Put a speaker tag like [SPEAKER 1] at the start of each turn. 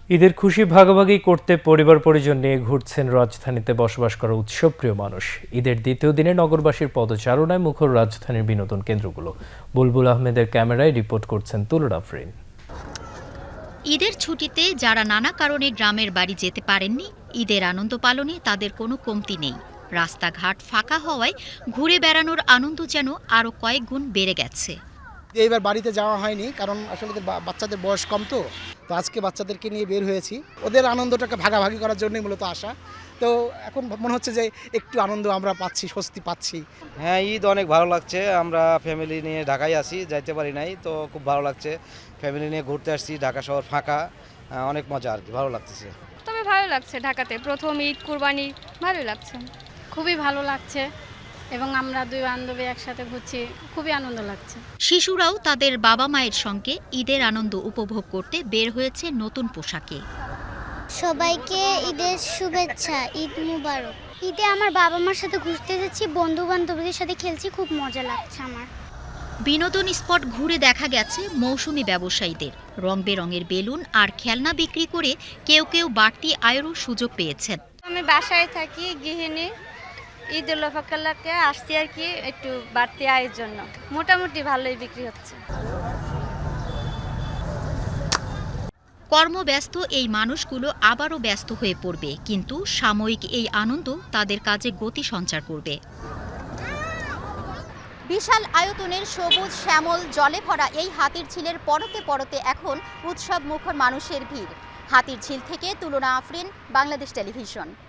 [SPEAKER 1] ঈদের খুশি ভাগাভাগি করতে পরিবার পরিজন নিয়ে ঘুরছেন রাজধানীতে বসবাস করা উৎসবপ্রিয় মানুষ। ঈদের দ্বিতীয় দিনে নগরবাসীর পদচারণায় মুখর রাজধানীর বিনোদন কেন্দ্রগুলো। বুলবুল আহমেদের ক্যামেরায় রিপোর্ট করছেন তুলুর আফরিন।
[SPEAKER 2] ঈদের ছুটিতে যারা নানা কারণে গ্রামের বাড়ি যেতে পারেননি, ঈদের আনন্দ পালনে তাদের কোনো কমতি নেই। রাস্তাঘাট ফাঁকা হওয়ায় ঘুরে বেড়ানোর আনন্দ যেন আরও কয়েক গুণ বেড়ে গেছে।
[SPEAKER 3] এইবার বাড়িতে যাওয়া হয়নি, কারণ আসলে বাচ্চাদের বয়স কম, তো আজকে বাচ্চাদেরকে নিয়ে বের হয়েছি। ওদের আনন্দটাকে ভাগাভাগি করার জন্যই মূলত আসা। তো এখন মনে হচ্ছে যে একটু আনন্দ আমরা পাচ্ছি, স্বস্তি পাচ্ছি।
[SPEAKER 4] হ্যাঁ, ঈদ অনেক ভালো লাগছে। আমরা ফ্যামিলি নিয়ে ঢাকায় আসি, যাইতে পারি নাই, তো খুব ভালো লাগছে। ফ্যামিলি নিয়ে ঘুরতে আসছি, ঢাকা শহর ফাঁকা, অনেক মজা আর কি, ভালো লাগতেছে।
[SPEAKER 5] তবে ভালো লাগছে, ঢাকাতে প্রথম ঈদ, কুরবানি, ভালোই লাগছে।
[SPEAKER 6] খুবই ভালো লাগছে এবং আমরা দুই বান্ধবী একসাথে ঘুরছি, খুবই আনন্দ লাগছে।
[SPEAKER 2] শিশুরাও তাদের বাবা মায়ের সঙ্গে ঈদের আনন্দ উপভোগ করতে বের হয়েছে নতুন পোশাকে।
[SPEAKER 7] সবাইকে ঈদের শুভেচ্ছা, ঈদ মুবারক। ঈদে আমার বাবা মার সাথে ঘুরতে যাচ্ছি, বন্ধু বান্ধবীদের সাথে খেলছি, খুব মজা লাগছে আমার।
[SPEAKER 2] বিনোদন স্পট ঘুরে দেখা গেছে মৌসুমি ব্যবসায়ীদের। রং বেরঙের বেলুন আর খেলনা বিক্রি করে কেউ কেউ বাড়তি আয়েরও সুযোগ পেয়েছেন।
[SPEAKER 6] আমি বাসায় থাকি, গৃহিণী। ঈদ উল ফিতরকে আসছি আর কি, একটু বাড়তি আয়ের জন্য। মোটামুটি ভালোই বিক্রি হচ্ছে।
[SPEAKER 2] কর্মব্যস্ত এই মানুষগুলো আবারও ব্যস্ত হয়ে পড়বে, কিন্তু সাময়িক এই আনন্দ তাদের কাজে গতি সঞ্চার করবে।
[SPEAKER 8] বিশাল আয়তনের সবুজ শ্যামল জলে ভরা এই হাতির ঝিলের পরতে পরতে এখন উৎসব মুখর মানুষের ভিড়। হাতির ঝিল থেকে তুলনা আফরিন, বাংলাদেশ টেলিভিশন।